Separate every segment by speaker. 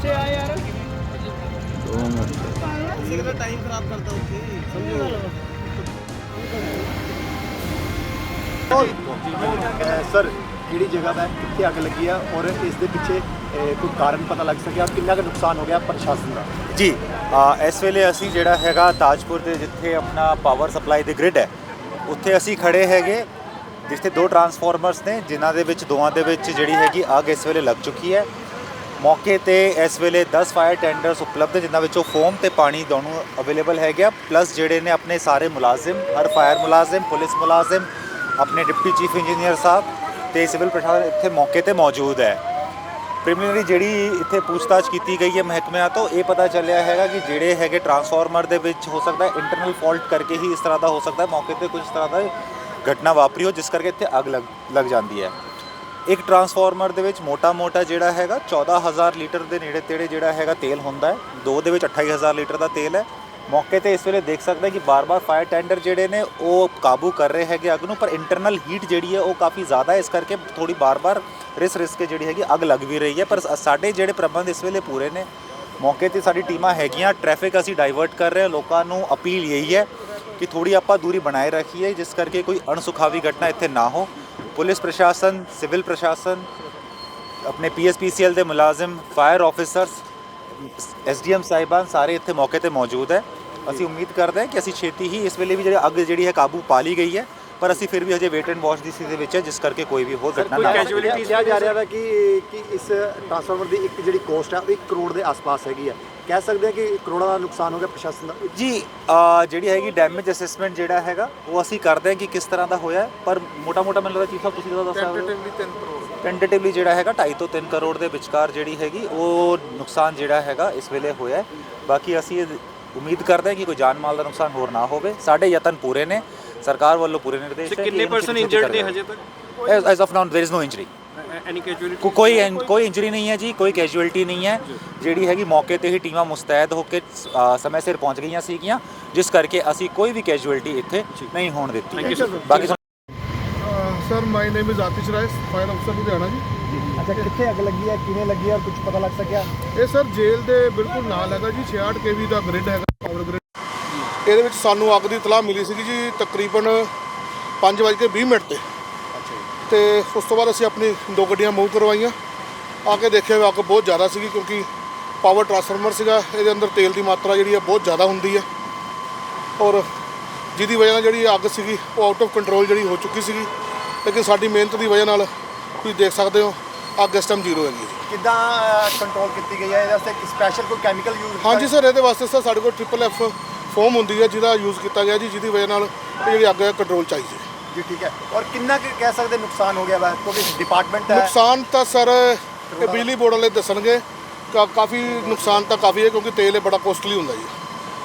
Speaker 1: ਪਿੱਛੇ ਆ ਯਾਰ।
Speaker 2: 2 ਮਿੰਟ।
Speaker 1: ਸਿਗਨਲ ਟਾਈਮ ਖਰਾਬ ਕਰਦਾ ਉੱਥੇ, ਸਮਝੋ।
Speaker 3: ਸਰ ਕਿਹੜੀ ਜਗ੍ਹਾ ਦਾ ਕਿੱਥੇ ਅੱਗ ਲੱਗੀ ਆ ਔਰ ਇਸ ਦੇ ਪਿੱਛੇ ਕੋਈ ਕਾਰਨ ਪਤਾ ਲੱਗ ਸਕਿਆ ਕਿੰਨਾ ਕੁ ਨੁਕਸਾਨ ਹੋ ਗਿਆ ਪ੍ਰਸ਼ਾਸਨ ਦਾ?
Speaker 4: ਜੀ ਇਸ ਵੇਲੇ ਅਸੀਂ ਜਿਹੜਾ ਹੈਗਾ ਤਾਜਪੁਰ ਦੇ ਜਿੱਥੇ ਆਪਣਾ ਪਾਵਰ ਸਪਲਾਈ ਦੇ ਗ੍ਰਿਡ ਹੈ ਉੱਥੇ ਅਸੀਂ ਖੜੇ ਹੈਗੇ, ਜਿੱਥੇ 2 ਟਰਾਂਸਫਾਰਮਰਸ ਨੇ ਜਿਨ੍ਹਾਂ ਦੇ ਵਿੱਚ ਦੋਵਾਂ ਦੇ ਵਿੱਚ ਜਿਹੜੀ ਹੈਗੀ ਅੱਗ ਇਸ ਵੇਲੇ ਲੱਗ ਚੁੱਕੀ ਹੈ। ਮੌਕੇ ਤੇ ਇਸ ਵੇਲੇ 10 ਫਾਇਰ ਟੈਂਡਰਸ ਉਪਲਬਧ, ਜਿਨ੍ਹਾਂ ਵਿੱਚੋਂ ਫੋਮ ਤੇ ਪਾਣੀ ਦੋਨੋਂ ਅਵੇਲੇਬਲ ਹੈਗੇ ਆ, ਪਲੱਸ ਜਿਹੜੇ ਨੇ ਆਪਣੇ ਸਾਰੇ ਮੁਲਾਜ਼ਮ, ਹਰ ਫਾਇਰ ਮੁਲਾਜ਼ਮ, ਪੁਲਿਸ ਮੁਲਾਜ਼ਮ, ਆਪਣੇ ਡਿਪਟੀ ਚੀਫ ਇੰਜੀਨੀਅਰ ਸਾਹਿਬ ਤੇ ਸਿਵਲ ਪ੍ਰਸ਼ਾਸਨ ਇੱਥੇ ਮੌਕੇ ਤੇ ਮੌਜੂਦ ਹੈ। ਪ੍ਰੀਲਿਮਿਨਰੀ ਜਿਹੜੀ ਇੱਥੇ ਪੁੱਛਤਾਛ ਕੀਤੀ ਗਈ ਹੈ ਮਹਿਕਮਿਆਂ ਤੋਂ, ਇਹ ਪਤਾ ਚੱਲਿਆ ਹੈਗਾ ਕਿ ਜਿਹੜੇ ਹੈਗੇ ਟਰਾਂਸਫਾਰਮਰ ਦੇ ਵਿੱਚ ਹੋ ਸਕਦਾ ਹੈ ਇੰਟਰਨਲ ਫਾਲਟ ਕਰਕੇ ਹੀ ਇਸ ਤਰ੍ਹਾਂ ਦਾ ਹੋ ਸਕਦਾ ਹੈ, ਮੌਕੇ ਤੇ ਕੁਝ ਇਸ ਤਰ੍ਹਾਂ ਦਾ ਘਟਨਾ ਵਾਪਰੀ ਹੋ ਜਿਸ ਕਰਕੇ ਇੱਥੇ ਅੱਗ ਲੱਗ ਜਾਂਦੀ ਹੈ। ਇੱਕ ਟਰਾਂਸਫਾਰਮਰ ਦੇ ਵਿੱਚ ਮੋਟਾ ਜਿਹੜਾ ਹੈਗਾ 14,000 ਲੀਟਰ ਦੇ ਨੇੜੇ ਤੇੜੇ ਜਿਹੜਾ ਹੈਗਾ ਤੇਲ ਹੁੰਦਾ ਹੈ, 2 ਦੇ ਵਿੱਚ 28,000 ਲੀਟਰ ਦਾ ਤੇਲ ਹੈ। ਮੌਕੇ ਤੇ ਇਸ ਵੇਲੇ ਦੇਖ ਸਕਦੇ ਕਿ ਬਾਰ-ਬਾਰ ਫਾਇਰ ਟੈਂਡਰ ਜਿਹੜੇ ਨੇ ਉਹ ਕਾਬੂ ਕਰ ਰਹੇ ਹੈਗੇ ਅੱਗ ਨੂੰ, ਪਰ ਇੰਟਰਨਲ ਹੀਟ ਜਿਹੜੀ ਹੈ ਉਹ ਕਾਫੀ ਜ਼ਿਆਦਾ ਹੈ, ਇਸ ਕਰਕੇ ਥੋੜੀ ਬਾਰ-ਬਾਰ ਰਿਸ ਕੇ ਜਿਹੜੀ ਹੈਗੀ ਅੱਗ ਲੱਗ ਵੀ ਰਹੀ ਹੈ। ਪਰ ਸਾਡੇ ਜਿਹੜੇ ਪ੍ਰਬੰਧ ਇਸ ਵੇਲੇ ਪੂਰੇ ਨੇ, ਮੌਕੇ ਤੇ ਸਾਡੀ ਟੀਮਾਂ ਹੈਗੀਆਂ, ਟ੍ਰੈਫਿਕ ਅਸੀਂ ਡਾਈਵਰਟ ਕਰ ਰਹੇ ਹਾਂ। ਲੋਕਾਂ ਨੂੰ ਅਪੀਲ ਇਹੀ ਹੈ ਕਿ ਥੋੜੀ ਆਪਾਂ ਦੂਰੀ ਬਣਾਏ ਰੱਖੀਏ ਜਿਸ ਕਰਕੇ ਕੋਈ ਅਣਸੁਖਾਵੀ ਘਟਨਾ ਇੱਥੇ ਨਾ ਹੋ। ਪੁਲਿਸ ਪ੍ਰਸ਼ਾਸਨ, ਸਿਵਲ ਪ੍ਰਸ਼ਾਸਨ, ਆਪਣੇ PSPCL ਦੇ ਮੁਲਾਜ਼ਮ, ਫਾਇਰ ਆਫਿਸਰਸ, SDM ਸਾਹਿਬਾਨ ਸਾਰੇ ਇੱਥੇ ਮੌਕੇ ਤੇ ਮੌਜੂਦ ਹੈ। ਅਸੀਂ ਉਮੀਦ ਕਰਦੇ ਹਾਂ ਕਿ ਅਸੀਂ ਛੇਤੀ ਹੀ ਇਸ ਵੇਲੇ ਵੀ ਜਿਹੜੀ ਅੱਗ ਜਿਹੜੀ ਹੈ ਕਾਬੂ ਪਾ ਲਈ ਗਈ ਹੈ, ਪਰ ਅਸੀਂ ਫਿਰ ਵੀ ਹਜੇ ਵੇਟ ਐਂਡ ਵਾਚ ਦੀ ਸਥਿਤੀ ਦੇ ਵਿੱਚ ਹੈ ਜਿਸ ਕਰਕੇ ਕੋਈ ਵੀ ਹੋਰ ਘਟਨਾ ਨਾ
Speaker 3: ਕੈਜੁਅਲਿਟੀ ਕਿਹਾ ਜਾ ਰਿਹਾ ਹੈ ਕਿ ਇਸ ਟਰਾਂਸਫਾਰਮਰ ਦੀ ਇੱਕ ਜਿਹੜੀ ਕੋਸਟ ਹੈ ਉਹ 1 ਕਰੋੜ ਦੇ ਆਸ-ਪਾਸ ਹੈਗੀ ਹੈ। ਕਹਿ ਸਕਦੇ ਹਾਂ ਕਿ ਕਰੋੜਾਂ ਦਾ ਨੁਕਸਾਨ ਹੋ ਗਿਆ ਪ੍ਰਸ਼ਾਸਨ ਦਾ?
Speaker 4: ਜੀ ਜਿਹੜੀ ਹੈਗੀ ਡੈਮੇਜ ਅਸੈਸਮੈਂਟ ਜਿਹੜਾ ਹੈਗਾ ਉਹ ਅਸੀਂ ਕਰਦੇ ਹਾਂ ਕਿ ਕਿਸ ਤਰ੍ਹਾਂ ਦਾ ਹੋਇਆ, ਪਰ ਮੋਟਾ ਮੈਨੂੰ ਲੱਗਦਾ ਚੀਫ ਸਾਹਿਬ ਤੁਸੀਂ ਦੱਸ ਸਕਦੇ ਹੋ।
Speaker 1: 3 ਕਰੋੜ
Speaker 4: ਟੈਂਟੇਟਿਵਲੀ ਜਿਹੜਾ ਹੈਗਾ 2.5 ਤੋਂ 3 ਕਰੋੜ ਦੇ ਵਿਚਕਾਰ ਜਿਹੜੀ ਹੈਗੀ ਉਹ ਨੁਕਸਾਨ ਜਿਹੜਾ ਹੈਗਾ ਇਸ ਵੇਲੇ ਹੋਇਆ ਹੈ। ਬਾਕੀ ਅਸੀਂ ਉਮੀਦ ਕਰਦੇ ਹਾਂ ਕਿ ਕੋਈ ਜਾਨ ਮਾਲ ਦਾ ਨੁਕਸਾਨ ਹੋਰ ਨਾ ਹੋਵੇ। ਸਾਡੇ ਯਤਨ ਪੂਰੇ ਨੇ, ਸਰਕਾਰ ਵੱਲੋਂ ਪੂਰੇ ਨਿਰਦੇਸ਼ ਹੈ।
Speaker 1: ਕਿੰਨੇ ਪਰਸਨ ਇੰਜਰਡ ਨੇ ਹਜੇ ਤੱਕ?
Speaker 4: As of now there is no injury.
Speaker 1: Any casualty?
Speaker 4: ਕੋਈ ਇੰਜਰੀ ਨਹੀਂ ਹੈ ਜੀ, ਕੋਈ ਕੈਜੁਅਲਟੀ ਨਹੀਂ ਹੈ। ਜਿਹੜੀ ਹੈਗੀ ਮੌਕੇ ਤੇ ਹੀ ਟੀਮਾਂ ਮੁਸਤੈਦ ਹੋ ਕੇ ਸਮੇਂ ਸਿਰ ਪਹੁੰਚ ਗਈਆਂ ਸੀਗੀਆਂ, ਜਿਸ ਕਰਕੇ ਅਸੀਂ ਕੋਈ ਵੀ ਕੈਜੁਅਲਟੀ ਇੱਥੇ ਨਹੀਂ ਹੋਣ ਦਿੱਤੀ। ਬਾਕੀ
Speaker 5: sir my name is Atish Rai, fire ਅਫਸਰ ਲੁਧਿਆਣਾ ਜੀ।
Speaker 3: ਅੱਛਾ, ਕਿੱਥੇ ਅੱਗ ਲੱਗੀ ਹੈ, ਕਿਵੇਂ ਲੱਗੀ ਹੈ, ਕੁਝ ਪਤਾ ਲੱਗ ਸਕਿਆ?
Speaker 5: ਇਹ ਸਰ ਜੇਲ੍ਹ ਦੇ ਬਿਲਕੁਲ ਨਾਲ ਹੈਗਾ ਜੀ, 66 kV ਦਾ ਗ੍ਰਿਡ ਹੈਗਾ, ਪਾਵਰ ਗ੍ਰਿਡ। ਇਹਦੇ ਵਿੱਚ ਸਾਨੂੰ ਅੱਗ ਦੀ ਇਤਲਾਹ ਮਿਲੀ ਸੀਗੀ ਜੀ ਤਕਰੀਬਨ 5:20 ਤੇ। ਤੇ ਉਸ ਤੋਂ ਬਾਅਦ ਅਸੀਂ ਆਪਣੀ 2 ਗੱਡੀਆਂ ਮੂਵ ਕਰਵਾਈਆਂ, ਆ ਕੇ ਦੇਖਿਆ ਵੀ ਅੱਗ ਬਹੁਤ ਜ਼ਿਆਦਾ ਸੀਗੀ ਕਿਉਂਕਿ ਪਾਵਰ ਟਰਾਂਸਫਾਰਮਰ ਸੀਗਾ, ਇਹਦੇ ਅੰਦਰ ਤੇਲ ਦੀ ਮਾਤਰਾ ਜਿਹੜੀ ਹੈ ਬਹੁਤ ਜ਼ਿਆਦਾ ਹੁੰਦੀ ਹੈ ਔਰ ਜਿਹਦੀ ਵਜ੍ਹਾ ਨਾਲ ਜਿਹੜੀ ਅੱਗ ਸੀਗੀ ਉਹ ਆਊਟ ਆਫ ਕੰਟਰੋਲ ਜਿਹੜੀ ਹੋ ਚੁੱਕੀ ਸੀਗੀ। ਲੇਕਿਨ ਸਾਡੀ ਮਿਹਨਤ ਦੀ ਵਜ੍ਹਾ ਨਾਲ ਤੁਸੀਂ ਦੇਖ ਸਕਦੇ ਹੋ ਅੱਗ ਇਸ ਟਾਈਮ 0 ਹੈਗੀ ਜੀ।
Speaker 3: ਕਿੱਦਾਂ ਕੰਟਰੋਲ ਕੀਤੀ ਗਈ ਹੈ? ਇਹਦੇ ਵਾਸਤੇ ਸਪੈਸ਼ਲ ਕੋਈ ਕੈਮੀਕਲ ਯੂਜ਼?
Speaker 5: ਹਾਂਜੀ ਸਰ, ਇਹਦੇ ਵਾਸਤੇ ਸਰ ਸਾਡੇ ਕੋਲ FFF ਫੋਮ ਹੁੰਦੀ ਹੈ ਜਿਹਦਾ ਯੂਜ਼ ਕੀਤਾ ਗਿਆ ਜੀ, ਜਿਹਦੀ ਵਜ੍ਹਾ ਨਾਲ ਇਹ ਜਿਹੜੀ ਅੱਗ ਹੈ ਕੰਟਰੋਲ 'ਚ ਆਈ ਜੀ।
Speaker 3: ਠੀਕ ਹੈ। ਔਰ ਕਿੰਨਾ ਕੁ ਕਹਿ ਸਕਦੇ ਨੁਕਸਾਨ ਹੋ ਗਿਆ ਵਾ? ਕਿਉਂਕਿ ਡਿਪਾਰਟਮੈਂਟ ਹੈ।
Speaker 5: ਨੁਕਸਾਨ ਤਾਂ ਸਰ ਇਹ ਬਿਜਲੀ ਬੋਰਡ ਵਾਲੇ ਦੱਸਣਗੇ, ਕਾਫੀ ਨੁਕਸਾਨ ਤਾਂ ਕਾਫੀ ਹੈ ਕਿਉਂਕਿ ਤੇਲ ਇਹ ਬੜਾ ਕੋਸਟਲੀ ਹੁੰਦਾ ਜੀ।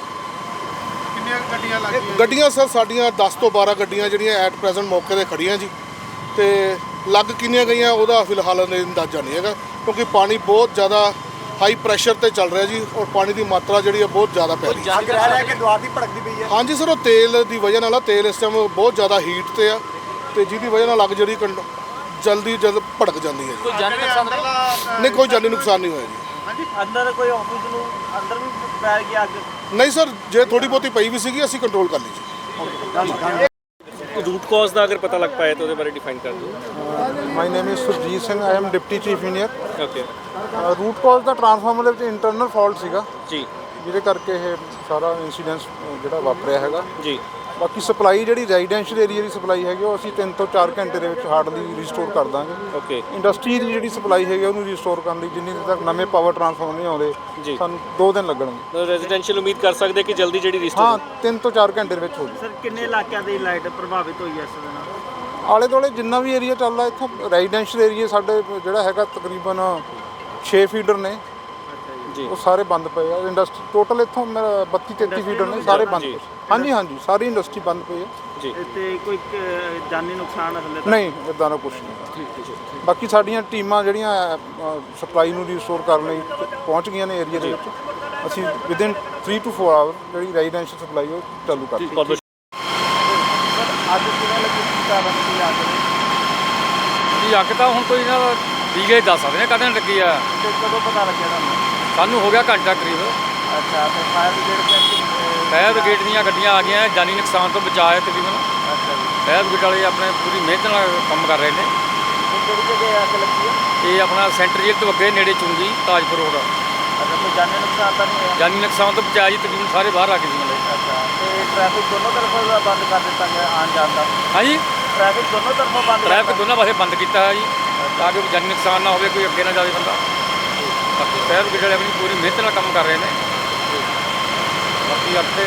Speaker 1: ਕਿੰਨੀਆਂ ਗੱਡੀਆਂ ਲੱਗੀਆਂ?
Speaker 5: ਗੱਡੀਆਂ ਸਰ ਸਾਡੀਆਂ 10 ਤੋਂ 12 ਗੱਡੀਆਂ ਜਿਹੜੀਆਂ ਐਟ ਪ੍ਰੈਜ਼ੈਂਟ ਮੌਕੇ 'ਤੇ ਖੜੀਆਂ ਜੀ, ਤੇ ਲੱਗ ਕਿੰਨੀਆਂ ਗਈਆਂ ਉਹਦਾ ਫਿਲਹਾਲ ਅੰਦਾਜ਼ਾ ਨਹੀਂ ਹੈਗਾ ਕਿਉਂਕਿ ਪਾਣੀ ਬਹੁਤ ਜ਼ਿਆਦਾ ਹਾਈ ਪ੍ਰੈਸ਼ਰ ਤੇ ਚੱਲ ਰਿਹਾ ਜੀ ਔਰ ਪਾਣੀ ਦੀ ਮਾਤਰਾ ਜਿਹੜੀ ਹੈ ਬਹੁਤ ਜ਼ਿਆਦਾ ਪੈ ਰਹੀ ਹੈ।
Speaker 3: ਅੱਗ ਰਹਿ ਰਿਹਾ ਕਿ ਦੁਆਰ ਦੀ ਭੜਕਦੀ ਪਈ ਹੈ?
Speaker 5: ਹਾਂਜੀ ਸਰ, ਉਹ ਤੇਲ ਦੀ ਵਜ੍ਹਾ ਨਾਲ ਤੇਲ ਇਸ ਟਾਈਮ ਬਹੁਤ ਜ਼ਿਆਦਾ ਹੀਟ ਤੇ ਆ ਤੇ ਜਿਹਦੀ ਵਜ੍ਹਾ ਨਾਲ ਅੱਗ ਜਿਹੜੀ ਜਲਦ ਭੜਕ ਜਾਂਦੀ ਹੈ ਜੀ।
Speaker 1: ਕੋਈ ਜਾਨੀ ਨੁਕਸਾਨ?
Speaker 5: ਨਹੀਂ, ਕੋਈ ਜਾਨੀ ਨੁਕਸਾਨ ਨਹੀਂ ਹੋਇਆ ਜੀ।
Speaker 1: ਹਾਂਜੀ, ਅੰਦਰ ਕੋਈ ਆਫਿਸ ਨੂੰ ਅੰਦਰ ਵੀ ਪੈ ਗਈ ਅੱਗ?
Speaker 5: ਨਹੀਂ ਸਰ, ਜੇ ਥੋੜੀ ਬਹੁਤੀ ਪਈ ਵੀ ਸੀਗੀ ਅਸੀਂ ਕੰਟਰੋਲ ਕਰ ਲਈ ਜੀ।
Speaker 1: रूट कॉज का अगर पता लग पाए तो बारे डिफाइन कर दो।
Speaker 6: My name is Surjit Singh, I am deputy chief engineer.
Speaker 1: Okay
Speaker 6: root cause ਦਾ ਟਰਾਂਸਫਾਰਮਰ ਦੇ ਵਿੱਚ ਇੰਟਰਨਲ ਫਾਲਟ ਸੀਗਾ
Speaker 1: जी
Speaker 6: ਜਿਹਦੇ ਕਰਕੇ ਇਹ ਸਾਰਾ ਇਨਸੀਡੈਂਸ ਜਿਹੜਾ ਵਾਪਰਿਆ ਹੈਗਾ।
Speaker 1: जी
Speaker 6: ਬਾਕੀ ਸਪਲਾਈ ਜਿਹੜੀ ਰੈਜ਼ੀਡੈਂਸ਼ੀਅਲ ਏਰੀਆ ਦੀ ਸਪਲਾਈ ਹੈਗੀ ਉਹ ਅਸੀਂ 3 ਤੋਂ 4 ਘੰਟੇ ਦੇ ਵਿੱਚ ਹਾਰਡਲੀ ਰਿਸਟੋਰ ਕਰ ਦਾਂਗੇ।
Speaker 1: ओके
Speaker 6: ਇੰਡਸਟਰੀ ਦੀ ਜਿਹੜੀ ਸਪਲਾਈ ਹੈਗੀ ਉਹਨੂੰ ਰਿਸਟੋਰ ਕਰਨ ਲਈ ਜਿੰਨੀ ਦੇਰ ਤੱਕ ਨਵੇਂ ਪਾਵਰ ਟਰਾਂਸਫਾਰਮਰ ਨਹੀਂ ਆਉਂਦੇ
Speaker 1: ਜੀ।
Speaker 6: ਸਾਨੂੰ 2 ਦਿਨ ਲੱਗਣਗੇ।
Speaker 1: तो रेजिडेंशियल उम्मीद कर सकते कि जल्दी जी
Speaker 6: ਹਾਂ,
Speaker 1: रिस्टोर?
Speaker 6: 3 ਤੋਂ 4 ਘੰਟੇ ਦੇ ਵਿੱਚ ਹੋ ਜੂ।
Speaker 1: सर किन्ने इलाकों की लाइट प्रभावित हुई है इस दिन?
Speaker 6: ਆਲੇ ਦੁਆਲੇ ਜਿੰਨਾ ਵੀ ਏਰੀਆ ਚੱਲਦਾ ਇੱਥੋਂ ਰੈਜ਼ੀਡੈਂਸ਼ੀਅਲ ਏਰੀਆ ਸਾਡੇ ਜਿਹੜਾ ਹੈਗਾ ਤਕਰੀਬਨ 6 ਫੀਡਰ ਨੇ
Speaker 1: जी
Speaker 6: ਉਹ ਸਾਰੇ ਬੰਦ ਪਏ ਆ। ਇੰਡਸਟਰੀ ਟੋਟਲ ਇੱਥੋਂ ਮੇਰਾ 32-33 ਫੀਡਰ ਨੇ, ਸਾਰੇ ਬੰਦ
Speaker 1: ਜੀ।
Speaker 6: ਪਏ। ਹਾਂਜੀ ਸਾਰੀ ਇੰਡਸਟਰੀ ਬੰਦ ਪਈ ਹੈ।
Speaker 1: जी
Speaker 7: ਕੋਈ ਜਾਨੀ ਨੁਕਸਾਨ ਹਲੇ
Speaker 6: ਨਹੀਂ, ਇੱਦਾਂ ਦਾ ਕੁਛ ਨਹੀਂ। ਬਾਕੀ ਸਾਡੀਆਂ ਟੀਮਾਂ ਜਿਹੜੀਆਂ ਸਪਲਾਈ ਨੂੰ ਰੀਸਟੋਰ ਕਰਨ ਲਈ ਪਹੁੰਚ ਗਈਆਂ ਨੇ ਏਰੀਆ ਦੇ ਵਿੱਚ। ਅਸੀਂ ਵਿਦਿਨ 3 to 4 ਆਵਰ ਜਿਹੜੀ ਰੈਜ਼ੀਡੈਂਸ਼ੀਅਲ ਸਪਲਾਈ ਉਹ ਚਾਲੂ ਕਰ ਦਿੱਤੀ।
Speaker 1: बहुत
Speaker 3: ਅੱਜ ਕਿਵੇਂ ਲੱਗੀ ਕੀ ਕਾਰਨ ਸੀ ਅੱਗ ਦੀ?
Speaker 8: ਜੀ ਅੱਗ ਤਾਂ ਹੁਣ ਕੋਈ ਨਾ ਦੀਗੇ ਦੱਸ ਸਕਦੇ ਨੇ ਕਦੋਂ ਲੱਗੀ ਆ।
Speaker 3: ਤੇ ਕਦੋਂ ਪਤਾ ਲੱਗਿਆ ਤੁਹਾਨੂੰ?
Speaker 8: ਸਾਨੂੰ ਹੋ ਗਿਆ ਘੰਟਾ ਕਰੀਬ।
Speaker 7: ਅੱਛਾ ਤੇ ਫਾਇਰ ਬ੍ਰਿਗੇਡ
Speaker 8: ਫਾਇਰ ਬ੍ਰਿਗੇਡ ਦੀਆਂ ਗੱਡੀਆਂ ਆ ਗਈਆਂ, ਜਾਨੀ ਨੁਕਸਾਨ ਤੋਂ ਬਚਾਅ ਹੈ ਤਕਰੀਬਨ।
Speaker 7: ਅੱਛਾ ਜੀ,
Speaker 8: ਫਾਇਰ ਬ੍ਰਿਗੇਡ ਵਾਲੇ ਆਪਣੇ ਪੂਰੀ ਮਿਹਨਤ ਨਾਲ ਕੰਮ ਕਰ ਰਹੇ ਨੇ।
Speaker 7: ਇਹ ਕਿਹੜੀ ਜਗ੍ਹਾ ਅੱਗ ਲੱਗੀ ਹੈ?
Speaker 8: ਇਹ ਆਪਣਾ ਸੈਂਟਰ ਜੇਲ੍ਹ ਤੋਂ ਅੱਗੇ ਨੇੜੇ ਚੁੰਗੀ ਤਾਜਪੁਰ ਰੋਡ।
Speaker 7: ਅੱਛਾ, ਕੋਈ ਜਾਨੀ ਨੁਕਸਾਨ ਤਾਂ ਨਹੀਂ ਹੋਇਆ?
Speaker 8: ਜਾਨੀ ਨੁਕਸਾਨ ਤੋਂ ਬਚਾਅ ਜੀ, ਤਕਰੀਬਨ ਸਾਰੇ ਬਾਹਰ ਆ ਗਏ ਸੀ ਮਤਲਬ।
Speaker 7: ਅੱਛਾ, ਤੇ ਟ੍ਰੈਫਿਕ ਦੋਨੋਂ ਤਰਫੋਂ ਦਾ ਬੰਦ ਕਰ ਦਿੱਤਾ ਗਿਆ ਆਉਣ ਜਾਣ ਦਾ?
Speaker 8: ਹਾਂਜੀ,
Speaker 7: ਟ੍ਰੈਫਿਕ ਦੋਨੋਂ ਤਰਫੋਂ ਬੰਦ
Speaker 8: ਟ੍ਰੈਫਿਕ
Speaker 7: ਕਰਤਾ?
Speaker 8: ਦੋਨਾਂ ਪਾਸੇ ਬੰਦ ਕੀਤਾ ਹੈ ਜੀ, ਤਾਂ ਕਿ ਜਾਨੀ ਨੁਕਸਾਨ ਨਾ ਹੋਵੇ, ਕੋਈ ਅੱਗੇ ਨਾ ਜਾਵੇ ਬੰਦਾ। ਬਾਕੀ ਫਾਇਰ ਬ੍ਰਿਗੇਡ ਵਾਲੇ ਆਪਣੀ ਪੂਰੀ ਮਿਹਨਤ ਨਾਲ ਕੰਮ ਕਰ ਰਹੇ ਨੇ। ਬਾਕੀ ਅੱਗੇ